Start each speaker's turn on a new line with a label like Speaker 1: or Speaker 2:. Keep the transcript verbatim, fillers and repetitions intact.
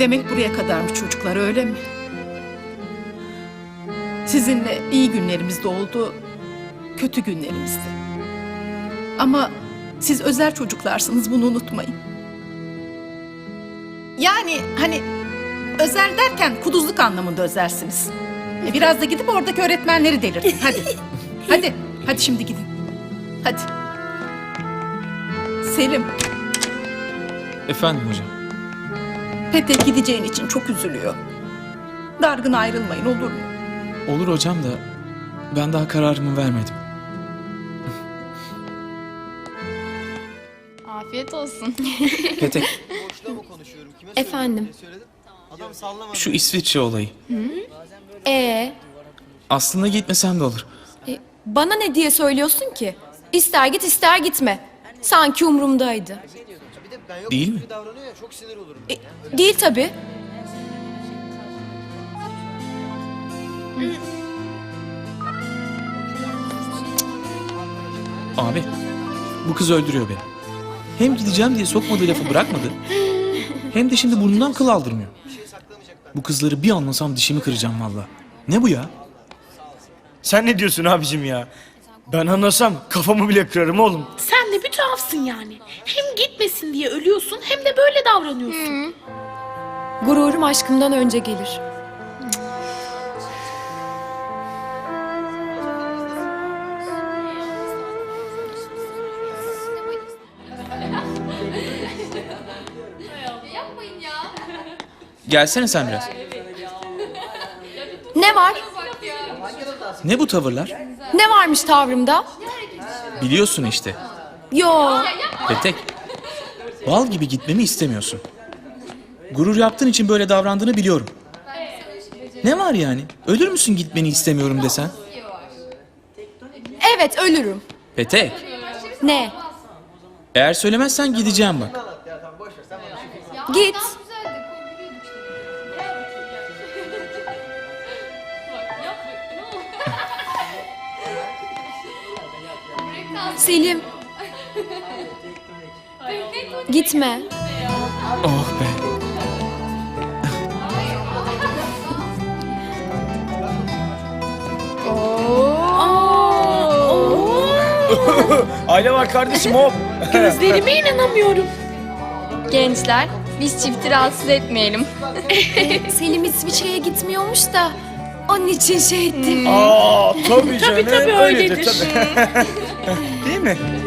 Speaker 1: Demek buraya kadarmış çocuklar, öyle mi? Sizinle iyi günlerimiz de oldu, kötü günlerimiz de. Ama siz özel çocuklarsınız, bunu unutmayın. Yani hani özel derken kuduzluk anlamında özelsiniz. E, Biraz da gidip oradaki öğretmenleri delirtin. Hadi. Hadi. Hadi şimdi gidin. Hadi. Selim,
Speaker 2: Efendim hocam.
Speaker 1: Petek gideceğin için çok üzülüyor. Dargın ayrılmayın, olur mu?
Speaker 2: Olur hocam da ben daha kararımı vermedim.
Speaker 3: Afiyet olsun.
Speaker 2: Petek,
Speaker 4: Efendim.
Speaker 2: şu İsviçre olayı.
Speaker 4: Ee,
Speaker 2: Aslında gitmesem de olur.
Speaker 4: e, bana ne diye söylüyorsun ki? İster git ister gitme. Sanki umurumdaydı.
Speaker 2: Değil mi?
Speaker 4: E, değil tabii.
Speaker 2: Abi, bu kız öldürüyor beni. Hem gideceğim diye sokmadığı lafı bırakmadı. Hem de şimdi burnundan kıl aldırmıyor. Bu kızları bir anlasam dişimi kıracağım valla. Ne bu ya?
Speaker 5: Sen ne diyorsun abicim ya? Ben anlasam kafamı bile kırarım oğlum.
Speaker 6: Sen de bir tuhafsın yani. Hem gitmesin diye ölüyorsun hem de böyle davranıyorsun.
Speaker 4: Gururum aşkımdan önce gelir.
Speaker 2: Gelsene sen biraz.
Speaker 4: Ne var?
Speaker 2: Ne bu tavırlar?
Speaker 4: Ne varmış tavrımda?
Speaker 2: Biliyorsun işte.
Speaker 4: Yo.
Speaker 2: Petek, bal gibi gitmemi istemiyorsun. Gurur yaptığın için böyle davrandığını biliyorum. Ne var yani? Ölür müsün gitmeni istemiyorum desen?
Speaker 4: Evet, ölürüm.
Speaker 2: Petek,
Speaker 4: Ne?
Speaker 2: eğer söylemezsen gideceğim bak.
Speaker 4: Git. Selim. Gitme.
Speaker 2: Oh be.
Speaker 5: Aile var kardeşim hop.
Speaker 6: Gözlerime inanamıyorum.
Speaker 3: Gençler, biz çifti rahatsız etmeyelim.
Speaker 4: Selim İsviçre'ye gitmiyormuş da onun için şey ettim.
Speaker 5: Aa tabii canım.
Speaker 6: tabii,
Speaker 5: Öyledir
Speaker 6: öyledir.
Speaker 5: tabii. Değil mi?